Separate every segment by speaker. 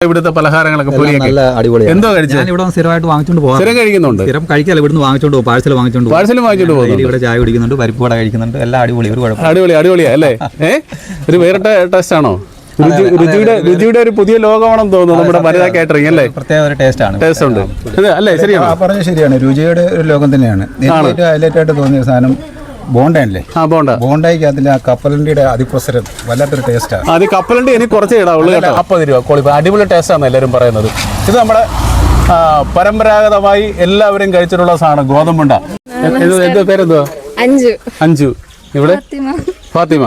Speaker 1: ഇവിടുത്തെ പലഹാരങ്ങളൊക്കെ നല്ല അടിപൊളിയാണ്. എന്തോ കഴിച്ചു?
Speaker 2: ഞാൻ ഇവിടെ സ്ഥിരമായിട്ട് വാങ്ങിച്ചോണ്ട് പോകും.
Speaker 1: സ്ഥിരം കഴിക്കുന്നുണ്ട്?
Speaker 2: സ്ഥിരം കഴിക്കാല്ല, ഇവിടുന്ന് വാങ്ങിച്ചോണ്ട് പോകും. പാഴ്സൽ വാങ്ങിച്ചോണ്ട്
Speaker 1: പോകും.
Speaker 2: ഇവിടെ ചായ കുടിക്കുന്നുണ്ട്, പരിപ്പ് വട കഴിക്കുന്നുണ്ട്, എല്ലാം അടിപൊളി. ഒരു കുഴപ്പം
Speaker 1: അടിപൊളിയാ അല്ലേ? ഒരു വേറെ ടേസ്റ്റ് ആണോ? രുചിയുടെ ഒരു പുതിയ ലോകമാണെന്ന് തോന്നുന്നു നമ്മുടെ വനിതാ കാറ്ററിംഗ് അല്ലേ?
Speaker 2: പ്രത്യേക ഒരു ടേസ്റ്റ് ഉണ്ട്
Speaker 1: അല്ലേ? ശരിയാണ്,
Speaker 3: പറഞ്ഞത് ശരിയാണ്. രുചിയുടെ ഒരു ലോകം തന്നെയാണ്. ഹൈലൈറ്റ് ആയിട്ട് തോന്നിയ സാധനം ബോണ്ടല്ലേ? ബോണ്ടയ്ക്ക് അതിൽ ആ കപ്പലണ്ടിയുടെ അതിപ്രസരം വല്ലാത്തൊരു ടേസ്റ്റാണ്.
Speaker 1: അത് കപ്പലണ്ടി എനിക്ക് കുറച്ചേ ഇടാവുള്ളൂ. 40 രൂപ ക്വാളിറ്റി, അടിപൊളി ടേസ്റ്റാണ് എല്ലാവരും പറയുന്നത്. ഇത് നമ്മുടെ പരമ്പരാഗതമായി എല്ലാവരും കഴിച്ചിട്ടുള്ള സാധനം ഗോതമ്പുണ്ട. എന്തോ പേരെന്തോ? അഞ്ചു. ഇവിടെ ഫാത്തിമ,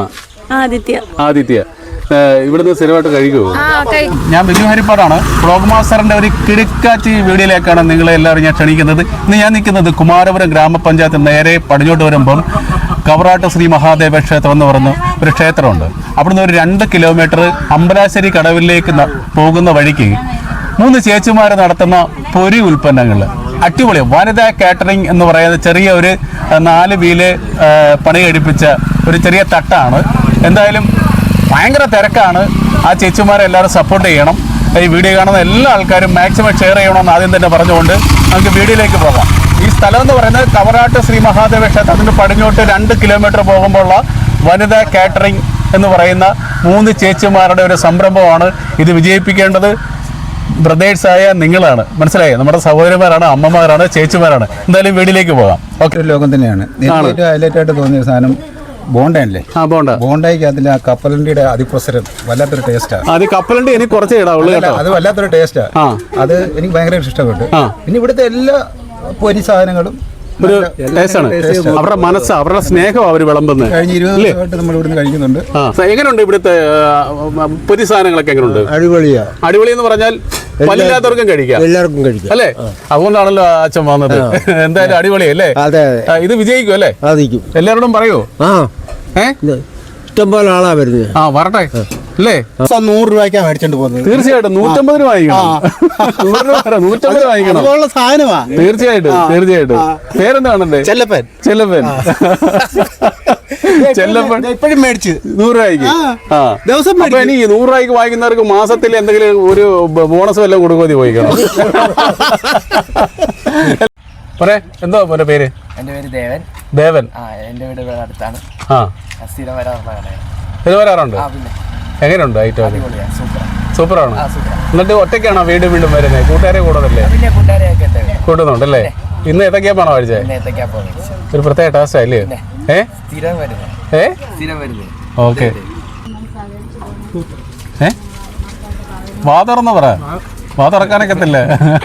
Speaker 1: ആദിത്യ. ഇവിടുന്ന് സ്ഥിരമായിട്ട് കഴിക്കുമോ? ഞാൻ ബിജു ഹരിപ്പാടാണ്. വ്ളോഗ് മാസ്റ്ററിന്റെ ഒരു കിടുക്കാച്ചി വീഡിയോയിലേക്കാണ് നിങ്ങളെ എല്ലാവരും ഞാൻ ക്ഷണിക്കുന്നത്. ഇന്ന് ഞാൻ നിൽക്കുന്നത് കുമാരപുരം ഗ്രാമപഞ്ചായത്ത് നേരെ പടിഞ്ഞോട്ട് വരുമ്പം കവറാട്ട് ശ്രീ മഹാദേവ ക്ഷേത്രം എന്ന് പറയുന്ന ഒരു ക്ഷേത്രമുണ്ട്. അവിടുന്ന് ഒരു 2 കിലോമീറ്റർ അമ്പലാശ്ശേരി കടവിലേക്ക് പോകുന്ന വഴിക്ക് 3 ചേച്ചിമാർ നടത്തുന്ന പൊരി ഉൽപ്പന്നങ്ങൾ അടിപൊളി. വനിതാ കാറ്ററിംഗ് എന്ന് പറയുന്ന ചെറിയ ഒരു 4 വീല് പണി കഴിപ്പിച്ച ഒരു ചെറിയ തട്ടാണ്. എന്തായാലും ഭയങ്കര തിരക്കാണ്. ആ ചേച്ചിമാരെ എല്ലാവരും സപ്പോർട്ട് ചെയ്യണം. ഈ വീഡിയോ കാണുന്ന എല്ലാ ആൾക്കാരും മാക്സിമം ഷെയർ ചെയ്യണമെന്ന് ആദ്യം തന്നെ പറഞ്ഞുകൊണ്ട് നമുക്ക് വീഡിയോയിലേക്ക് പോകാം. ഈ സ്ഥലം എന്ന് പറയുന്നത് കവറാട്ട് ശ്രീ മഹാദേവ ക്ഷേത്രത്തിന് പടിഞ്ഞോട്ട് 2 കിലോമീറ്റർ പോകുമ്പോഴുള്ള വനിതാ കാറ്ററിംഗ് എന്ന് പറയുന്ന 3 ചേച്ചിമാരുടെ ഒരു സംരംഭമാണ്. ഇത് വിജയിപ്പിക്കേണ്ടത് ബ്രദേഴ്സായ നിങ്ങളാണ്. മനസ്സിലായോ? നമ്മുടെ സഹോദരിമാരാണ്, അമ്മമാരാണ്, ചേച്ചിമാരാണ്. എന്തായാലും വീഡിയോയിലേക്ക് പോകാം.
Speaker 3: ഓക്കെ. ഒരു ലോകം തന്നെയാണ്. ഹൈലൈറ്റ് ആയിട്ട് തോന്നിയ സാധനം ബോണ്ടല്ലേ? ബോണ്ടയ്ക്ക് അതിൽ ആ കപ്പലണ്ടിയുടെ അതിപ്രസരം വല്ലാത്തൊരു ടേസ്റ്റാണ്.
Speaker 1: അത് കപ്പലണ്ടി എനിക്ക് കുറച്ചേ ഇടാവുള്ളൂ.
Speaker 3: അത് വല്ലാത്തൊരു ടേസ്റ്റാണ്. അത് എനിക്ക് ഭയങ്കര ഇഷ്ടപ്പെട്ടു. പിന്നെ ഇവിടുത്തെ എല്ലാ പൊരി സാധനങ്ങളും
Speaker 1: ഒരു ടേസ്റ്റാണ്. അവരുടെ മനസ്സ്, അവരുടെ സ്നേഹം അവർ വിളമ്പുന്നത്.
Speaker 3: കഴിഞ്ഞ 20 ദിവസമായിട്ട് നമ്മൾ ഇവിടുന്ന് കഴിക്കുന്നുണ്ട്.
Speaker 1: എങ്ങനെയുണ്ട് ഇവിടുത്തെ പൊരി സാധനങ്ങളൊക്കെ? എങ്ങനെയുണ്ട്? അടിപൊളി എന്ന് പറഞ്ഞാൽ പല്ലില്ലാത്തവർക്കും കഴിക്കാം, എല്ലാവർക്കും കഴിക്കാം അല്ലേ? അതുകൊണ്ടാണല്ലോ അച്ഛൻ വന്നത്. എന്തായാലും അടിപൊളിയല്ലേ? ഇത് വിജയിക്കും അല്ലേ? എല്ലാവരോടും പറയോ?
Speaker 4: ഇഷ്ടംപോലെ ആളാ വരുന്നത്.
Speaker 1: വരട്ടെ അല്ലേ?
Speaker 4: 100 രൂപയ്ക്കാണ് മേടിച്ചോണ്ട് പോകുന്നത്.
Speaker 1: തീർച്ചയായിട്ടും 150 വാങ്ങിക്കണം. 150 വാങ്ങിക്കണം.
Speaker 4: സാധനമാ.
Speaker 1: തീർച്ചയായിട്ടും. പേരെന്താണല്ലേ?
Speaker 4: ചെല്ലപ്പൻ. ഇപ്പോഴും മേടിച്ച്
Speaker 1: 100 രൂപയ്ക്ക്.
Speaker 4: ദിവസം
Speaker 1: ഇനി 100 രൂപയ്ക്ക് വാങ്ങിക്കുന്നവർക്ക് മാസത്തിൽ എന്തെങ്കിലും ഒരു ബോണസ് വല്ലതും കൊടുക്കുമതി പോയിക്കണം. പറയേ, എന്തോ മോന്റെ പേര്?
Speaker 5: എന്റെ പേര് ദേവൻ.
Speaker 1: ദേവൻ.
Speaker 5: എന്റെ വീട് ഇവിടെ അടുത്താണ്. സ്ഥിരം
Speaker 1: വരാറുണ്ട്. എങ്ങനെയുണ്ട് ഐറ്റം? സൂപ്പറാണ്. എന്നിട്ട് ഒറ്റയ്ക്കാണോ വീണ്ടും വരുന്നത്? കൂട്ടുകാരെ കൂടുതലല്ലേ? കൂട്ടുന്നുണ്ടല്ലേ? ഇന്ന് ഏത്തക്കാപ്പാണോ കഴിച്ചത്? ഒരു പ്രത്യേക ടേസ്റ്റ് അല്ലേ? ഓക്കെ. വാതുറന്ന് പറ, വാതുറക്കാനൊക്കത്തില്ല.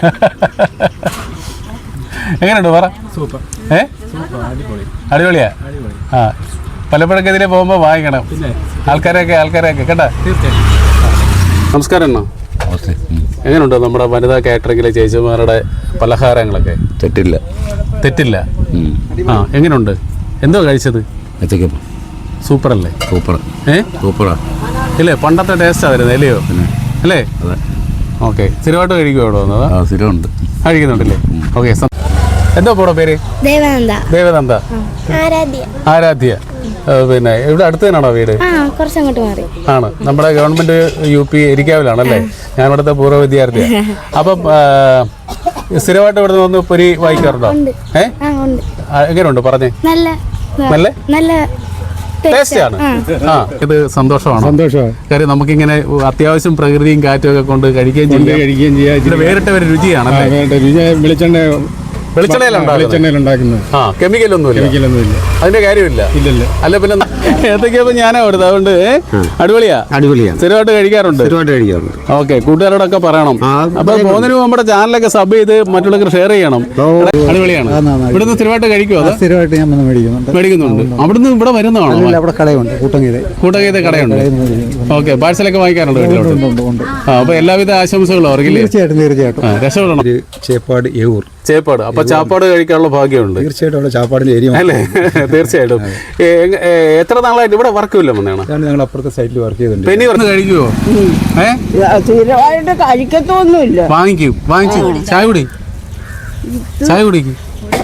Speaker 1: എങ്ങനെയുണ്ട് പറ? അടിപൊളിയാ. പലപ്പോഴൊക്കെ ഇതിലെ പോകുമ്പോൾ വാങ്ങിക്കണം. ആൾക്കാരൊക്കെ കേട്ടാ. നമസ്കാരം അണ്ണാ. എങ്ങനെയുണ്ട് നമ്മുടെ വനിതാ കാറ്ററിംഗിലെ ചേച്ചിമാരുടെ പലഹാരങ്ങളൊക്കെ? തെറ്റില്ല. എങ്ങനെയുണ്ട്? എന്തോ കഴിച്ചത്? സൂപ്പറല്ലേ? സൂപ്പറാ ഇല്ലേ? പണ്ടത്തെ ടേസ്റ്റാ വരുന്നത് അല്ലയോ? അല്ലേ? ഓക്കെ. സ്ഥിരമായിട്ട് കഴിക്കുമോ ഇവിടെ വന്നത്?
Speaker 6: സ്ഥിരമുണ്ട്.
Speaker 1: കഴിക്കുന്നുണ്ടല്ലേ? ഓക്കെ. എന്തോ പോടോ പേര്? ദേവനന്ദ. ആരാധ്യ. പിന്നെ ഇവിടെ അടുത്ത് തന്നെയാണോ വീട്? ആണ്. നമ്മുടെ ഗവൺമെന്റ് UP എരിക്കാവിലാണല്ലേ? ഞാൻ ഇവിടുത്തെ പൂർവ്വ വിദ്യാർത്ഥിയാണ്. അപ്പം സ്ഥിരമായിട്ട് ഇവിടെ വന്ന് പൊരി വായിക്കാറുണ്ടോ? എങ്ങനെയുണ്ട് പറഞ്ഞേ? നല്ല ടേസ്റ്റാണ്. ഇത് സന്തോഷമാണ്. കാര്യം നമുക്കിങ്ങനെ അത്യാവശ്യം പ്രകൃതിയും കാറ്റും ഒക്കെ കൊണ്ട് കഴിക്കുകയും ചെയ്യാം. വേറിട്ട ഒരു രുചിയാണ്. വെളിച്ചെണ്ണയിലുണ്ടാക്കുന്നത്. കെമിക്കലൊന്നുമില്ല. അതിന്റെ കാര്യമില്ല. അല്ല പിന്നെ ഏതൊക്കെയപ്പോ ഞാനാ കൊടുത്തത്. അതുകൊണ്ട് അടിപൊളിയാ. സ്ഥിരമായിട്ട് കഴിക്കാറുണ്ട്. ഓക്കെ. കൂട്ടുകാരോടൊക്കെ പറയണം. അപ്പൊ പോകുന്നതിന് നമ്മുടെ ചാനലൊക്കെ സബ് ചെയ്ത് മറ്റുള്ളവർക്ക് ഷെയർ ചെയ്യണം. അടിപൊളിയാണ്. ഇവിടുന്ന് സ്ഥിരമായിട്ട് കഴിക്കുമോ?
Speaker 3: സ്ഥിരമായിട്ട് ഞാൻ
Speaker 1: മേടിക്കുന്നുണ്ട്. അവിടുന്ന് ഇവിടെ വരുന്നതാണോ?
Speaker 3: അവിടെ കടയുണ്ട്,
Speaker 1: കൂട്ടഗീത കടയുണ്ട്. ഓക്കെ. പാഴ്സലൊക്കെ വാങ്ങിക്കാറുണ്ട് വീട്ടിലോട്ട്. അപ്പൊ എല്ലാവിധ ആശംസകളും അവർക്ക്.
Speaker 3: തീർച്ചയായിട്ടും
Speaker 1: രക്ഷപ്പെടണം. ചേപ്പാട്. അപ്പൊ ചാപ്പാട് കഴിക്കാനുള്ള ഭാഗ്യമുണ്ട്.
Speaker 3: തീർച്ചയായിട്ടും ചാപ്പാടിന്റെ ഏരിയ
Speaker 1: അല്ലേ? തീർച്ചയായിട്ടും. എത്ര നാളായിട്ട് ഇവിടെ വർക്കില്ല വന്നാണ്?
Speaker 3: ഞങ്ങൾ അപ്പുറത്തെ സൈറ്റിൽ വർക്ക് ചെയ്തിട്ടുണ്ട്.
Speaker 1: പെനി വന്ന് കഴിക്കുവോ?
Speaker 4: കഴിക്കത്തൊന്നുമില്ല.
Speaker 1: വാങ്ങിച്ചു ചായ കുടിക്കും.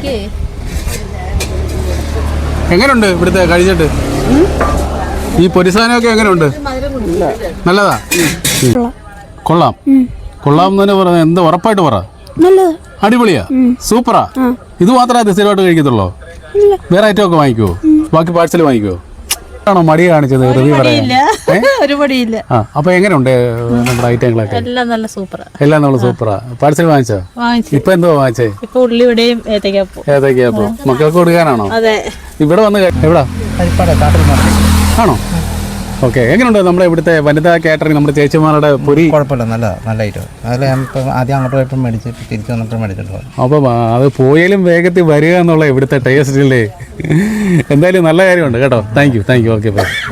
Speaker 1: എങ്ങനെയുണ്ട് ഇവിടുത്തെ കഴിച്ചിട്ട്? ഈ പൊരിസാനൊക്കെ എങ്ങനെയുണ്ട്? നല്ലതാ. കൊള്ളാം കൊള്ളാം എന്ന് തന്നെ പറഞ്ഞ എന്താ ഉറപ്പായിട്ട് പറ അടിപൊളിയാ സൂപ്പറാ ഇത് മാത്രമേ സ്ഥിരമായിട്ട് കഴിക്കത്തുള്ളൂ വേറെ ഐറ്റം ഒക്കെ വാങ്ങിക്കുവോ ബാക്കി പാഴ്സൽ വാങ്ങിക്കുവോ ആണോ മടി കാണിച്ചത് റിവ്യൂ പറയാൻ അപ്പൊ എങ്ങനെയുണ്ട് നമ്മുടെ ഐറ്റങ്ങളൊക്കെ
Speaker 6: എല്ലാം നല്ല സൂപ്പറാ
Speaker 1: എല്ലാം നമ്മൾ സൂപ്പറാ പാഴ്സൽ വാങ്ങിച്ചോ ഇപ്പൊ എന്തോ വാങ്ങിച്ചേ
Speaker 6: ഇപ്പൊ ഉള്ളിവിടെയും ഏത്തക്കാപ്പൂ
Speaker 1: ഏതൊക്കെയാപ്പോ മക്കൾക്ക് കൊടുക്കാനാണോ
Speaker 6: അതെ
Speaker 1: ഇവിടെ വന്ന് എവിടാ ആണോ ഓക്കെ എങ്ങനെയുണ്ട് നമ്മുടെ ഇവിടുത്തെ വനിതാ കാറ്ററിംഗ് നമ്മുടെ ചേച്ചിമാരുടെ പൊരി
Speaker 3: കുഴപ്പമില്ല നല്ല ഐറ്റം അതിൽ ഞാനിപ്പോൾ ആദ്യം അങ്ങോട്ട് പോയപ്പോൾ മേടിച്ച് തിരിച്ച് വന്നപ്പോൾ മേടിച്ചിട്ട് പോയി
Speaker 1: അപ്പം അത് പോയാലും വേഗത്തിൽ വരിക എന്നുള്ള ഇവിടുത്തെ ടേസ്റ്റില്ലേ എന്തായാലും നല്ല കാര്യമുണ്ട് കേട്ടോ താങ്ക് യു ഓക്കെ ബൈ